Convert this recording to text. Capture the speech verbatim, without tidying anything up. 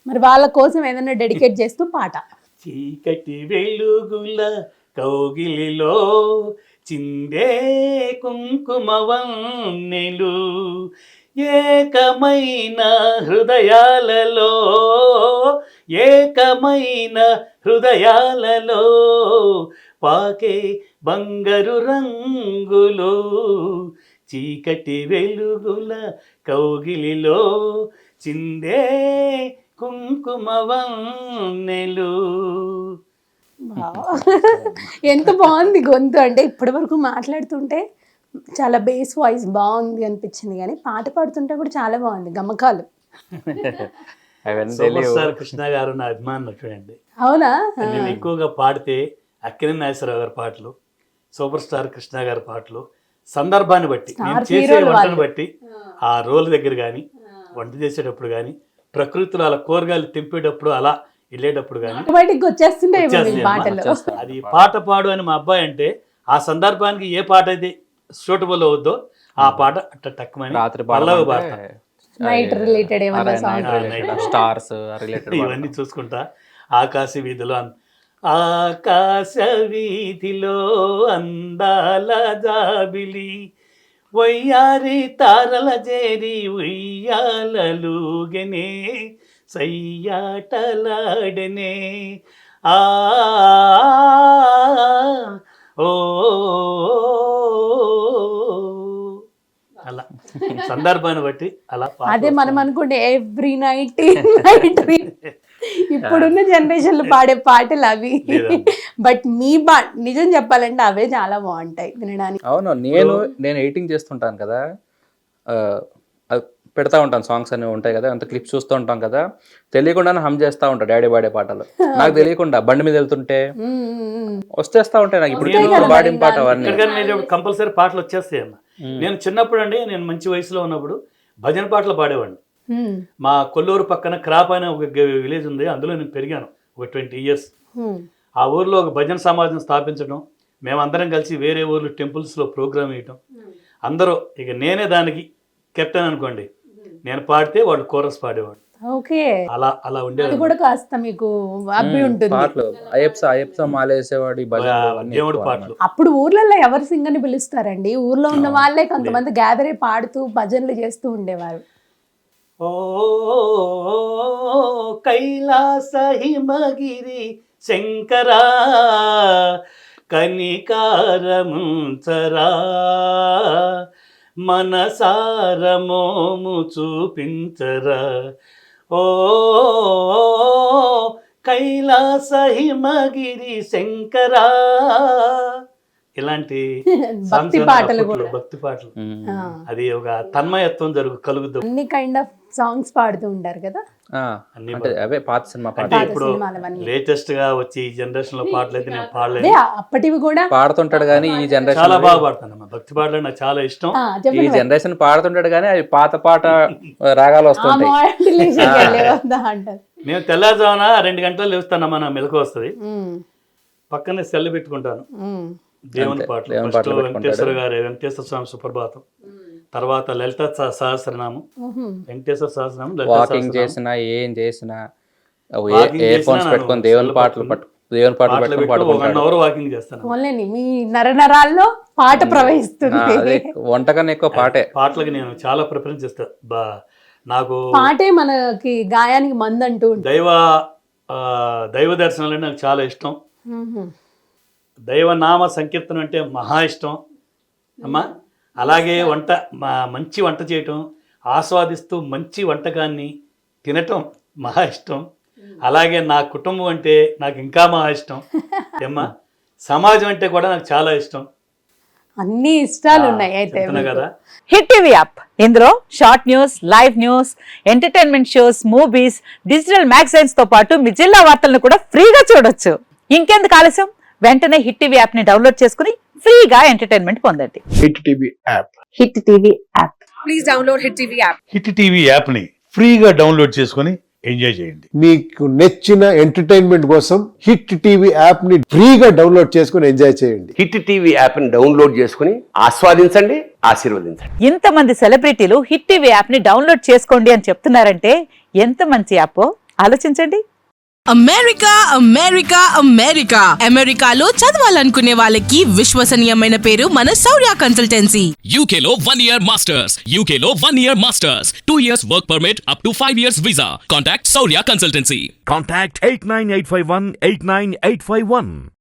మరి వాళ్ళ కోసం ఏదైనా డెడికేట్ చేస్తూ పాట. చీకటి వెలుగుల కౌగిలిలో చిందే కుంకుమవన్నెలు ఏకమైన హృదయాలలో ఏకమైన హృదయాలలో పాకే బంగారు రంగులు చీకటి వెలుగుల కౌగిలిలో చిందే కుంకుమవన్నెలు. ఎంత బాగుంది గొంతు, అంటే ఇప్పటి వరకు మాట్లాడుతుంటే చాలా బేస్ వాయిస్ బాగుంది అనిపించింది, కానీ పాట పాడుతుంటే కూడా చాలా బాగుంది గమకాలు. సూపర్ స్టార్ కృష్ణ గారు నా అభిమానులు చూడండి. అవునా? నేను ఎక్కువగా పాడితే అక్కినేని నాగేశ్వరరావు గారి పాటలు, సూపర్ స్టార్ కృష్ణ గారి పాటలు, సందర్భాన్ని బట్టి నేను చేసే వంటను బట్టి, ఆ రోల్ దగ్గర కానీ వంట చేసేటప్పుడు కానీ, ప్రకృతిలో అలా కూరగాయలు తెంపేటప్పుడు అలా వెళ్ళేటప్పుడు కానీ వచ్చేస్తుండే పాటలు. అది పాట పాడు అని మా అబ్బాయి అంటే ఆ సందర్భానికి ఏ పాట అయితే సూటబుల్ అవుద్దో ఆ పాట అట్ట టక్కుమని పల్లవి పాట నైట్ రిలేటెడ్ స్టార్స్ రిలేటెడ్ ఇవన్నీ చూసుకుంటా. ఆకాశ వీధిలో ఆకాశ వీధిలో అందాల జాబిలి వయ్యారి తారల చేరి ఉయ్యాలలుగనే సయ్యాటలాడనే ఆ ఓ అలా సందర్భాన్ని బట్టి అలా. అదే మనం అనుకుంటే ఎవ్రీ నైట్ నైట్ ఇప్పుడున్న జనరేషన్ లో పాడే పాటలు అవి, బట్ మీ బా నిజం చెప్పాలంటే అవే చాలా బాగుంటాయి వినడానికి. అవును, నేను నేను ఎడిటింగ్ చేస్తుంటాను కదా, పెడతా ఉంటాను, సాంగ్స్ అనేవి ఉంటాయి కదా, అంత క్లిప్స్ చూస్తూ ఉంటాం కదా, తెలియకుండానే హమ్ చేస్తూ ఉంటాను డాడీ పాడే పాటలు. నాకు తెలియకుండా బండి మీద వెళ్తుంటే వచ్చేస్తా ఉంటాయి నాకు ఇప్పుడు పాడిన పాట అవన్నీ. కంపల్సరీ పాటలు వచ్చేస్తాయి అన్న. నేను చిన్నప్పుడు అండి, నేను మంచి వయసులో ఉన్నప్పుడు భజన పాటలు పాడేవాడిని. మా కొల్లూరు పక్కన క్రాప్ అనే ఒక విలేజ్ ఉంది, అందులో నేను పెరిగాను ఒక ట్వంటీ ఇయర్స్. ఆ ఊర్లో ఒక భజన సమాజం స్థాపించడం, మేమందరం కలిసి వేరే ఊర్లు టెంపుల్స్లో ప్రోగ్రామ్ వేయటం, అందరూ ఇక నేనే దానికి కెప్టెన్ అనుకోండి, నేను పాడితే వాళ్ళు కోరస్ పాడేవాడు. ఓకే, అలా అలా ఉండేది కూడా కాస్త మీకు అబ్బి ఉంటుంది. పాటలు అయ్యప్ప అయ్యప్ప మాలేసేవాడు, దేవుడు పాటలు. అప్పుడు ఊర్లలో ఎవరు సింగర్ని పిలుస్తారండి? ఊర్లో ఉన్న వాళ్ళే కొంతమంది గ్యాదర్ అయి పాడుతూ భజనలు చేస్తూ ఉండేవారు. ఓ కైలాస హిమగిరి శంకరా కనికారముంచరా మనసారమోము చూపించరా ఓ కైలాస హిమగిరి శంకరా. ఇలాంటి భక్తి పాటలు కూడా, భక్తి పాటలు, అది ఒక తన్మయత్వం జరుగు కలుగుతుంది. అన్ని కైండ్ ఆఫ్ సాంగ్స్ పాడుతూ ఉంటారు కదా. అవే పాత సినిమా అంటే ఇప్పుడు లేటెస్ట్ గా వచ్చి ఈ జనరేషన్ లో పాటలు అయితే నేను పాడలేదు, అప్పటివి కూడా పాడుతుంటాడు కానీ ఈ జనరేషన్ చాలా బాగా పాడతాను. భక్తి పాటలు నాకు చాలా ఇష్టం. ఈ జనరేషన్ పాడుతుంటాడు కానీ అది పాత పాట రాగాలు వస్తుంటాయి. నేను తెల్లారుజామున రెండు గంటలు లేస్తానమ్మా, నా మెలకు వస్తుంది, పక్కనే సెల్ పెట్టుకుంటాను, దేవుని పాటలు. ఫస్ట్ వెంకటేశ్వర గారి వెంకటేశ్వర స్వామి సుప్రభాతం, తర్వాత లలిత సహస్రనామం, వెంకటేశ్వర సహస్రనామం. వాకింగ్ చేసినా ఏం చేసినా ఇయర్ ఫోన్స్ పెట్టుకొని దేవుని పాటలు పట్టు దేవుని పాటలు పెట్టుకొని వన్ అవర్ వాకింగ్ చేస్తాను. మీ నరనరాల్లో పాట ప్రవహిస్తుంది. వంటకన్నా ఎక్కువ పాటే. పాటలకు నేను చాలా ప్రిఫరెన్స్ ఇస్తాను. బా నాకు పాటే మనకి గాయానికి మందంటూ దైవ దైవ దర్శనాలు నాకు చాలా ఇష్టం. దైవనామ సంకీర్తనం అంటే మహా ఇష్టం అమ్మా. అలాగే వంట మంచి వంట చేయటం, ఆస్వాదిస్తూ మంచి వంటకాన్ని తినటం మహా ఇష్టం. అలాగే నా కుటుంబం అంటే నాకు ఇంకా మహా ఇష్టం అమ్మా. సమాజం అంటే కూడా నాకు చాలా ఇష్టం. అన్ని ఇష్టాలు ఉన్నాయి అయితే కదా. హిట్ టీవీ యాప్, ఇందులో short news, live news, entertainment shows, movies, digital magazines తో పాటు మీ జిల్లా వార్తలను కూడా ఫ్రీగా చూడొచ్చు. ఇంకెందుకు ఆలస్యం, వెంటనే హిట్ టీవీ యాప్ ని డౌన్లోడ్ చేసుకుని ఫ్రీగా ఎంటర్టైన్మెంట్ పొందండి. Hit TV app hit TV app please download hit TV app. Hit TV app ని ఫ్రీగా డౌన్లోడ్ చేసుకుని ఎంజాయ్ చేయండి. మీకు నచ్చిన ఎంటర్టైన్మెంట్ కోసం హిట్ టీవీ యాప్ ని ఫ్రీగా డౌన్లోడ్ చేసుకుని ఎంజాయ్ చేయండి. హిట్ టీవీ యాప్ ని డౌన్లోడ్ చేసుకుని ఆస్వాదించండి, ఆశీర్వదించండి. ఇంతమంది సెలబ్రిటీలు హిట్ టీవీ యాప్ ని డౌన్లోడ్ చేసుకోండి అని చెప్తున్నారంటే ఎంత మంచి యాప్. ఆలోచించండి. అమెరికా అమెరికా అమెరికా అమెరికాలో చదవాలనుకునే వాళ్ళకి విశ్వసనీయమైన పేరు మన శౌర్య కన్సల్టెన్సీ. U K లో one year masters, U K లో one year masters, two years work permit up to five years visa. Contact Saurya Consultancy. Contact eight nine eight five one eight nine eight five one.